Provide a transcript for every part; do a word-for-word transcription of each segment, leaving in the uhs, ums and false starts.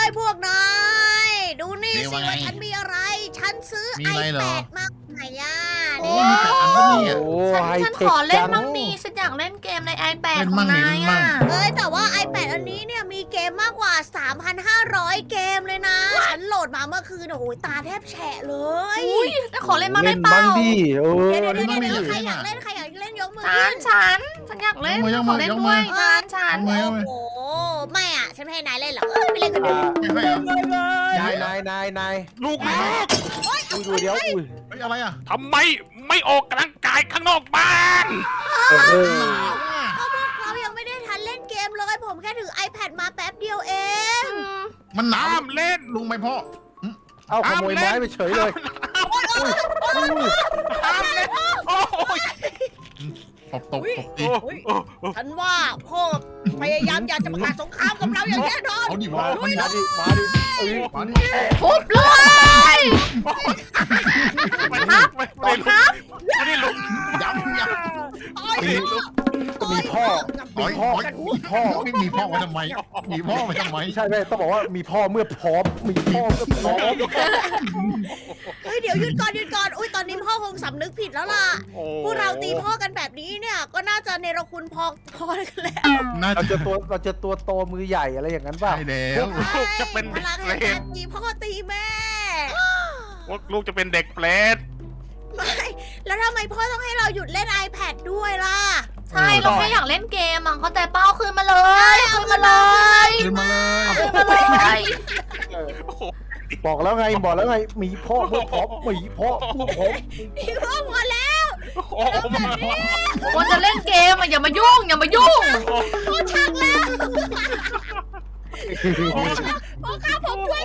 พวกนายดูนี่เดี๋ยวสิว่าไงว่าฉันมีอะไร ฉันซื้อมีอะไรเหรอไอแปดมาใหม่ย่าโอ้นี่มีแต่อันนี้อ่ะโอ้ฉันไฮฉันเทขคอเล่นจังมั่งดีฉันอยากเล่นเกมใน iPad เล่นขอมั่งงดินายเล่นมั่อ่ะงเอ้ยแต่ว่า ไอแปด อันนี้เนี่ยมีเกมมากกว่า สามพันห้าร้อย เกมเลยนะ ฉันโหลดมาเมื่อคืนโอ้โหตาแทบแฉะเลยอุ้ยแล้วขอเล่นมั่งได้เล่นเปล่าบ้างดิเออเดี๋ยวเดี๋ยวเล่เดี๋ยนวมั่งดิเดี๋ยวใครเล่นอยากอะเล่นใครอยากเล่นยกมือฉัขึ้นนฉันฉันอยากเล่นยกมืขออเล่นยกมืด้อวยยกมือฉันฉันยกมือโอ้โหไม่อ่ะฉันไม่ให้นายเล่นหรอกเอ้ยไปเล่นกันเดี๋ยวไม่ให้เหรอนายนายนายนายลูกลูกอุ้ยดูเดี๋ยวอุ้ยเฮ้ยอะไรอ่ะทำไมไม่ออกกำลังกายข้างนอกบ้านโอ้โหหนาวอ่ะเรายังไม่ได้ทันเล่นเกมเลยผมแค่ถือ iPad มาแป๊บเดียวเองอืมมันหนาวห้ามเล่นลุงไหมพ่อเอาขโมยไม้ไปเฉยเลยห้ามเล่นโอ้ยตบตบตบตีโอ้ยโอ้ยโอ้ยฉันว่าพ่อพยายามอยากจะประกาศสงครามกับเราอย่างแน่นอนเอาดิวะมามันดิมาดิเอ้ยมาดิทุบเลยไม่ได้ไม่ได้ลุกไม่ได้ลุกย้ำย้ต่อยมีก็มีพ่อำมีพ่อมีพ่อไม่มีพ่อมาทำไม มีพ่อมาทำไมไม่ใช่ไม่ต้องบอกว่ามีพ่อเมื่อพร้อม มีพ่อเมื่อพร้อมเฮ้ยเดี๋ยวหยุดก่อนหยุดก่อนอุ้ยตอนนี้พ่อคงสำนึกผิดแล้วล่ะโอ้พวกเราตีพ่อกันแบบนี้เนี่ย ก็น่าจะเนรคุณพอพอกันแล้วน่าเราจะจะตัวเราจะตัวโตมือใหญ่อะไรอย่างนั้นป่ะใช่แล้วลูกจะเป็นพเด็กลังเปรแห่งตการตีพ่อตีแม่ลูกจะเป็นเด็กเปรตไม่แล้วทำไมพ่อต้องให้เราหยุดเล่น iPad ด้วยล่ะใช่เราแค่อยากเล่นเกมอ่ะเขาแต่เป้าคืนมาเลย คืนมาเลยขึ้นมาเลยคืนมาเลยโอ้โหบอกแล้วไงบอกแล้วไงมีพ่อเมื่อพร้อมมีพ่อเมื่อพร้อมพี่พ่อหมดแล้วโอ้โหคนจะเล่นเกมอ่ะอย่ามายุ่งอย่ามายุ่งพ่อชักแล้วพ่อข้าผมช่วย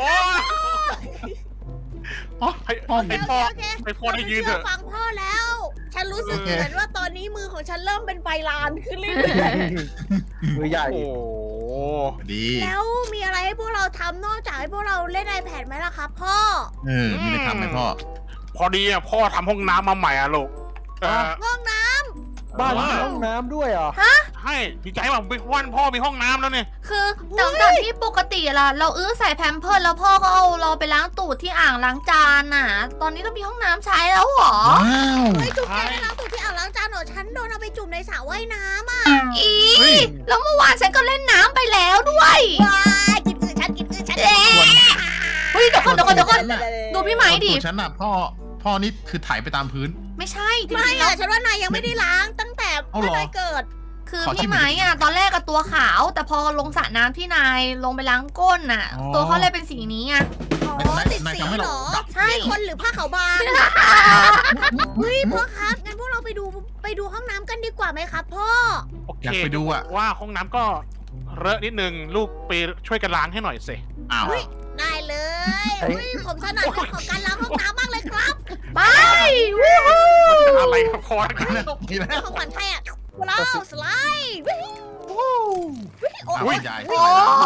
โอ้ยให้ให้พ่อโอเคให้พ่อได้ยืนเถชื่อะฟังพ่อแล้ว ฉันรู้สึกโอเคเหมือนว่าตอนนี้มือของฉันเริ่มเป็นใบลานขึ้นเรื่อยมือใหญ่โอ้โหดีๆแล้วมีอะไรให้พวกเราทำนอกจากให้พวกเราเล่น iPad ไหมล่ะครับพ่อเออมีอะไรทำไหมพ่อพอดีอ่ะพ่อทำห้องน้ำมาใหม่อ่ะลูกเออห้องน้บ้านมีห้องน้ำด้วยเหรอใช่ดีใจว่าบิ๊กวันพ่อมีห้องน้ำแล้วเนี่ยคือจากจากที่ปกติล่ะเราอื้อใส่แพมเพิร์สแล้วพ่อก็เอาเราไปล้างตูดที่อ่างล้างจานน่ะ ตอนนี้เรามีห้องน้ำใช้แล้วเหรอว้าวำเฮ้ยจุ๊บแกได้ล้างตัวที่อ่างล้างจานเหรอฉันโดนเอาไปจุ่มในสระว่ายน้ำอ่ะอีเฮ้ยแล้วเมื่อวานฉันก็เล่นน้ำไปแล้วด้วยว้ายกินคือฉันกินคือฉันเอ๊ะเฮ้ยเดี๋ยวก่อนเดี๋ยวก่อนเดี๋ยวก่อนฉันน่ะดูพี่ไหมดิตัวฉันน่ะพ่อ พ่อนี่คือถ่ายไปตามพื้นไม่ใช่จไม่ริงๆแล้อะวฉันว่านายยังไม่ได้ล้างตั้งแต่เอาเมื่เหรออนายเกิดคือขอชิมพี่ไหมอ่ะตอนแรกกับตัวขาว แต่พอลงสระน้ำที่นายลงไปล้างก้นน่ะอ๋อตัวเขาเลยเป็นสีนี้ไงอ๋อไม่ติดนายสีทำให้เหรเราอดับใช่นี่คนหรือผ้าขาวบางเฮ้ยพ่อครับงั้นพวกเราไปดูไปดูห้องน้ำกันดีกว่าไหมครับพ่อโอเคอยากไปดูอ่ะว่าห้องน้ำก็เลอะนิดนึงลูกไปช่วยกันล้างให้หน่อยสิอ้าวเฮ้ย ได้เลยเฮ้ยผมถนัดเรื่องของการล้างห้องน้ำมากเลยครับไปวู้ฮู้อะไรครับพ่อนี่แหละเรื่องของขวัญใครอ่ะพวกเราสไลด์วิววิวโอ้อ้าวย ยายโอ้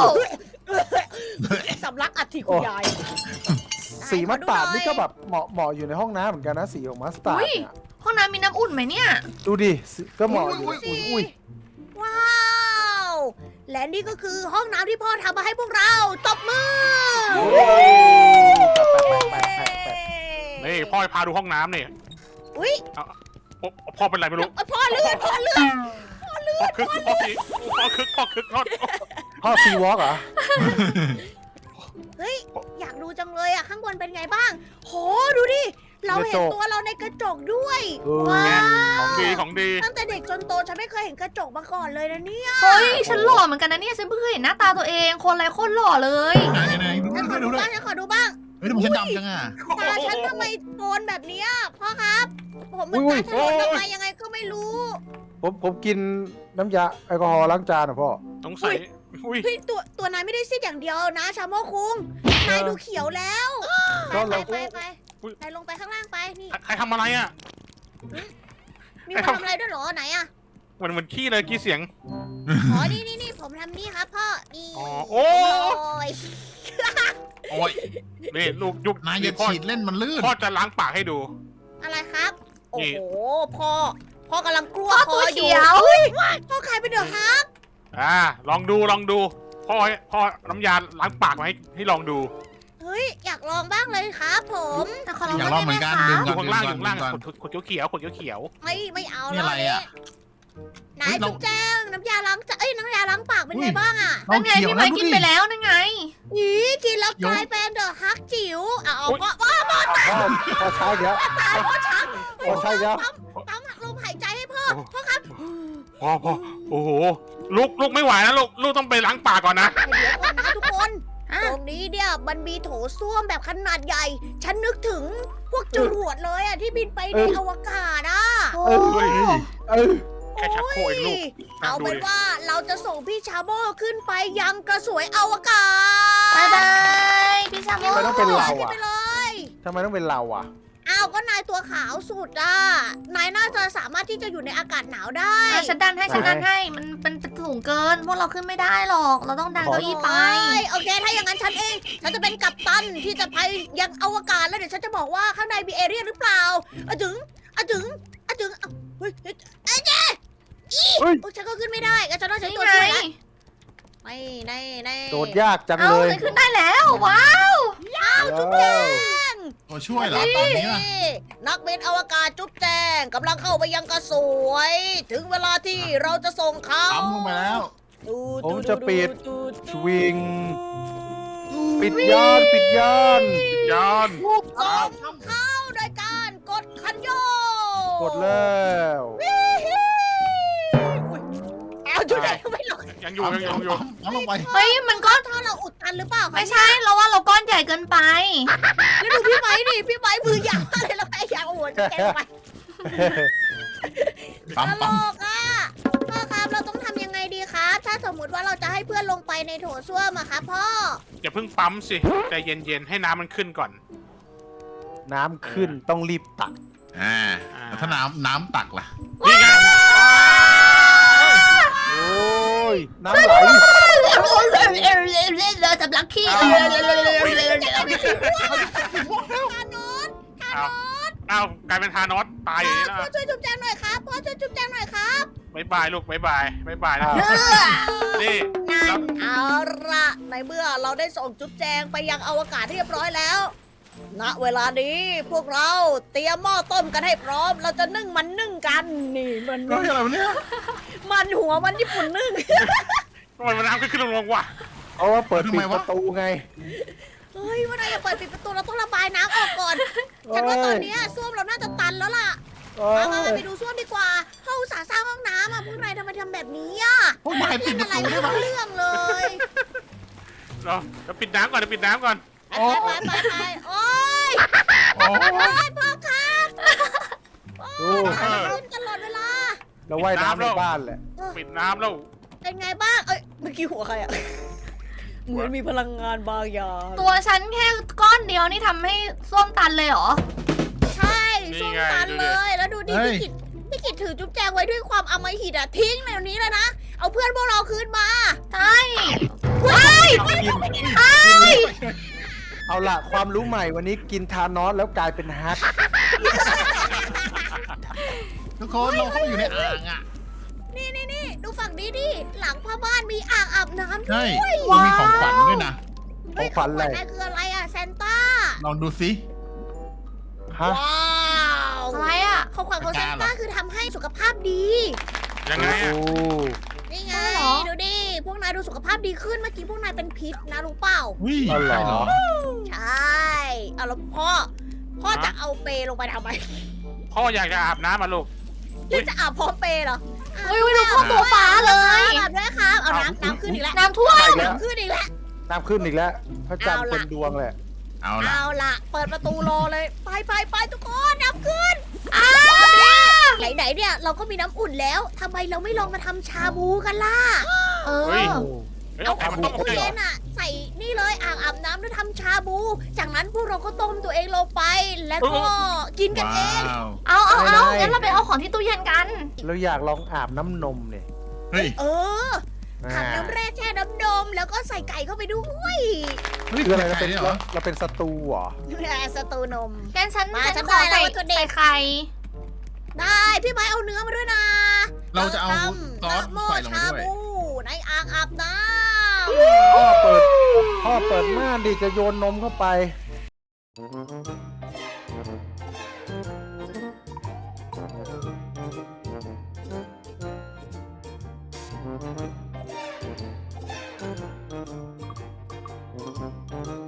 สำลักอัฐิคุณยายสีมัสตาร์ดนี่ก็แบบเหมาะเหมาะอยู่ในห้องน้ำเหมือนกันนะสีของมัสตาร์ดเนี่ยห้องน้ำมีน้ำอุ่นไหมเนี่ยดูดิสีก็เหมาะอยู่อุ้ยอุ้ยว้าว และนี่ก็คือห้องน้ำที่พ่อทำมาให้พวกเราตบมือโอ้แปะแปะแปะแปะแปะนี่พ่อพาดูห้องน้ำนี่อุ้ยโอ้พ่อเป็นไรไม่รู้พ่อเลือดพ่อเลือดพ่อคึกพ่อคึกพ่อคึกพ่อคึกพ่อพ่อซีวอล์กเหรอเฮ้ย อยากดูจังเลยอะข้างบนเป็นไงบ้าง โห ดูดิ เราเห็นตัวเราในกระจกด้วยเออว้าของดีวของดีตั้งแต่เด็กจนโตฉันไม่เคยเห็นกระจกมาก่อนเลยนะเนี่ยเฮ้ย ฉันหล่อเหมือนกันนะเนี่ย ฉันเพิ่งเคยเห็นหน้าตาตัวเอง คนไรโคตรหล่อเลยไหนไหนดูฉันขอดูดูดูบ้างฉันขอดูบ้างเฮ้ยทำไมฉันดำจังอ่ะตาฉันทำไมโกนแบบเนี้ยพ่อครับ ผมมันตาถลนออกมายังไงก็ไม่รู้ผมผมกินน้ำยาแอลกอฮอล์ล้างจานอ่ะพ่อสงสัยอุ้ยเฮ้ยตัวตัวนายไม่ได้ซีดอย่างเดียวนะชาโมคุงนายดูเขียวแล้วไปก็ไปเราไปไปนายลงไปข้างล่างไปนี่ใครทำอะไรอ่ะมีคนทำอะไรด้วยเหรอไหนอะมันเหมือนขี้เลยกี้เสียงอ๋อนี่นี่นี่ผมทำนี่ครับพ่อนี่อ๋อโอ้ยโอ้ยนี่ลูกยุบนายอย่าพ่อฉีดเล่นมันลื่นพ่อจะล้างปากให้ดูอะไรครับ โอ้นี่โหพ่อพ่อกำลังกลัวพ่อตัวคอเขียวอุ้ยพ่อใครเป็นเดือดฮักอ่าลองดูลองดูพ่อพ่อน้ำยาล้างปากมาให้ให้ลองดูเฮ้ยอยากลองบ้างเลยครับผมแต่ขอลองอยากลองเหมือนกันได้ดึงไหมอยู่ก่อนข้างดึล่างงอก่ยู่อนข้างล่างดึงก่อนขวดเขียวๆขวดเขียวไม่ไม่เอานี่แล้วอะไรอะนายเฮ้ยเราจุ๊บแจ้งน้ำยาล้างจานเอ้ยน้ำยาล้างปากเป็นไงบ้างอ่ะนั่นไงพี่ไม้กินไปแล้วนั่นไงอีกินแล้วกลายเป็นเดอะฮักจิ๋วอ่ะเอาก็ว่าพ่อพ่อใช้เยอะตายเพราะชักพ่อใช้เยอะปั๊มลมหายใจให้พ่อพ่อครับๆพ่อพ่อโอ้โหลูกลูกไม่ไหวนะลูกลูกต้องไปล้างปากก่อนนะเดี๋ยวก่อนนะทุกคนอ่ะตรงนี้เนี่ยมันมีโถส้วมแบบขนาดใหญ่ ฉันนึกถึงพวกจรวดเลยอ่ะที่บินไปในอวกาศอ่ะโอ้เอ้ยเออแค่ชักโครกเองลูกเอาเป็นว่าเราจะส่งพี่ชาโมขึ้นไปยังกระสวยอวกาศบายบายพี่ชาโมทำไมต้องเป็นเราขึ้นอ่ะไปเลยทำไมต้องเป็นเราอ่ะอ้าวก็นายตัวขาวสุดอ่ะนายน่าจะสามารถที่จะอยู่ในอากาศหนาวได้อ่ะฉันดันให้ฉันดันให้มันเป็นเป็นสูงเกินพวกเราขึ้นไม่ได้หรอก เราต้องดันเก้าอี้ไปโอ้ยโอเคถ้าอย่างนั้นฉันเอง ฉันจะเป็นกัปตันที่จะไปยังอวกาศแล้วเดี๋ยวฉันจะบอกว่าข้างในมีเอเรียนหรือเปล่าอะถึงอะถึงอะถึงอ่ะเฮ้ยเฮ้ยเอ้ยเจ๊อีเฮ้ยโอ้ยฉันก็ขึ้นไม่ได้ก็ฉันต้องใช้นี่ตัวไงช่วยแล้วไม่ในในโดดยากจังเอ้าเลยเลยขึ้นได้แล้วว้าวจุ๊บโอ้ช่วยเหรอและตตออน นนี้นี้ป่ะนักบินอวกาศจุ๊บแจงกำลังเข้าไปยังกระสวย ถึงเวลาที่เราจะส่งเขาปั๊มลงไปแล้วดูผมจะปิดดูชวิง ปิดยานปิดยานยอนส่งเข้าโดยการกดคันโยกดแล้วเอาจุ๊บแจงไม่ลงยังอยู่ยังอยู่ยังอยู่ปั๊มปั๊มลงไปเฮ้ยมันก็ถ้าเราอุดตันหรือเปล่าคะไม่ใช่เราว่าเราก้อนใหญ่เกินไปแล้วดูพี่ไม้ดิพี่ไม้มือยาวเลยแล้วแพ้ยาวโอ้โหจุ๊บแจงลงไปปั๊มตลปั๊มกอ่ะพ่อครับเราต้องทำยังไงดีครับ ถ้าสมมุติว่าเราจะให้เพื่อนลงไปในโถส้วมอะครับพ่ออย่าเพิ่งปั๊มสิใจเย็นๆให้น้ำมันขึ้นก่อนน้ำขึ้นต้องรีบตักอ่าแล้วถ้าน้ำน้ำตักล่ะนี่ไงโอ้ย น้ำไหลเราจะลักขี้เอาเอากลายเป็นทานอสตายอย่างนี้พ่อนะช่วยจุ๊บแจงหน่อยครับพ่อช่วยจุ๊บแจงหน่อยครับบายบายลูกบายบายบายบายนะอ่านี่นั่นเอาละในเมื่อเราได้ส่งจุ๊บแจงไปยังอวกาศเรียบร้อยแล้ว ณ เวลานี้พวกเราเตรียมหม้อต้มกันให้พร้อม เราจะนึ่งมันนึ่งกัน นี่มันเฮ้ยอะไรวะเนี่ยมันหัวมันญี่ปุ่นนึ่งทำไมมันน้ำขึ้นขึ้นลงลงวะเพราะว่าเปิดทำปิไมดวะประตูไงเฮ้ยว่านายจะเปิดปิดประตูเราต้องระบายน้ำออกก่อน ฉันว่าตอนเนี้ยส้วมเราน่าจะตันแล้วล่ะเอ้มาย มาไปดูส้วมดีกว่าเขาอุตส่าห์สร้างห้องน้ำอ่ะพวกนายทำไมทำแบบนี้อ่ะพวกนายปิดประอะไรตูไม่ได้ปะรู้เรื่องเลยเราเราปิดน้ำก่อนเราปิดน้ำก่อนไปไปไปไปโอ๊ยโอ้โอ๊ยพ่อครับดูขึ้นตลอดเวลาเราว่ายน้ำในบ้านแหละปิดน้ำแล้วเป็นไงบ้าง เอ้ย เมื่อกี้หัวใครอ่ะ เหมือนมีพลังงานบางอย่างตัวฉันแค่ก้อนเดียวนี่ทำให้ส้วมตันเลยเหรอใช่ส้มตันเลย แล้วดูดิพี่กิจพี่กิจถือจุ๊บแจงไว้ด้วยความอำมหิตอ่ะ ทิ้งในนี้เลยนะ เอาเพื่อนพวกเราคืนมาใช่กินเอาล่ะ ความรู้ใหม่วันนี้กินทานอสแล้วกลายเป็นฮักทุกคนเราเข้าไปอยู่ในอ่างอ่ะนี่นี่นี่ดูฝั่งนี้ดิ หลังพ่อบ้านมีอ่างอาบน้ำด้ใช่วยมันมีของขวัญด้วยนะเฮ้ยของขวัญอะไรนายคืออะไรอ่ะแซนต้าลองดูสิฮะว้าวอะไรอ่ะของขวัญของแซนต้าคือทำให้สุขภาพดียังไงโอ้อะนี่ไงใช่เหรอดูดิ พวกนายดูสุขภาพดีขึ้น เมื่อกี้พวกนายเป็นพิษนะรู้เปล่าอุ้ยอ๋อเหรใช่เหรออใช่เอาแล้วพ่อ พ่อจะเอาเปลงไปทำไมพ่ออยากจะอาบน้ำมาลูกหรือจะอาบพร้อมเปเหรออุ้ยอุ้ยดูพ่อตัวฟ้าเลยอาบด้วยครับ เอาน้ำน้ำขึ้นอีกแล้วน้ำท่วมน้ำขึ้นอีกแล้วน้ำขึ้นอีกแล้ว พระจันทร์เอาเต็ล่ะมดวงเลยเอาล่ะเอาล่ะ เปิดประตูรอเลย ไปไปไปทุกคนน้ำขึ้นไหนไหนๆเนี่ยเราก็มีน้ำอุ่นแล้วทำไมเราไม่ลองมาทำชาบูกันล่ะเอเฮ้ยอเฮ้ยเอาเอาขไข่องมันต้มเย็เลยเหรอนๆอ่ะ ใส่นี่เลยอ่างอาบน้ำแล้วทำชาบู จากนั้นพวกเราก็ต้มตัวเองลงไป แล้วก็กินกันเองว้าวเอาเอาเอาไม่ได้งั้นเราไปเอาของที่ตู้เย็นกันเราอยากลองอาบน้ำนมเนี่ยเฮ้ยเอออ่าขับน้ำแร่แช่น้ำนมแล้วก็ใส่ไก่เข้าไปด้วยเฮ้ยคืออะไรเราไก่เป็นด้วยเหรอเราเป็นศัตรูเหรอแร่สตูนมงั้นฉันมาฉัฉันนขอได้แล้วใส่วัตถุดิบใส่ไข่ได้พี่ไม้เอาเนื้อมาด้วยนะเราจะเอาทำซอสน้ำโมใส่ลงไปชาด้วยบูในอ่างอาบน้พ่อเปิดพ่อเปิดม่านดิจะโยนนมเข้าไปอ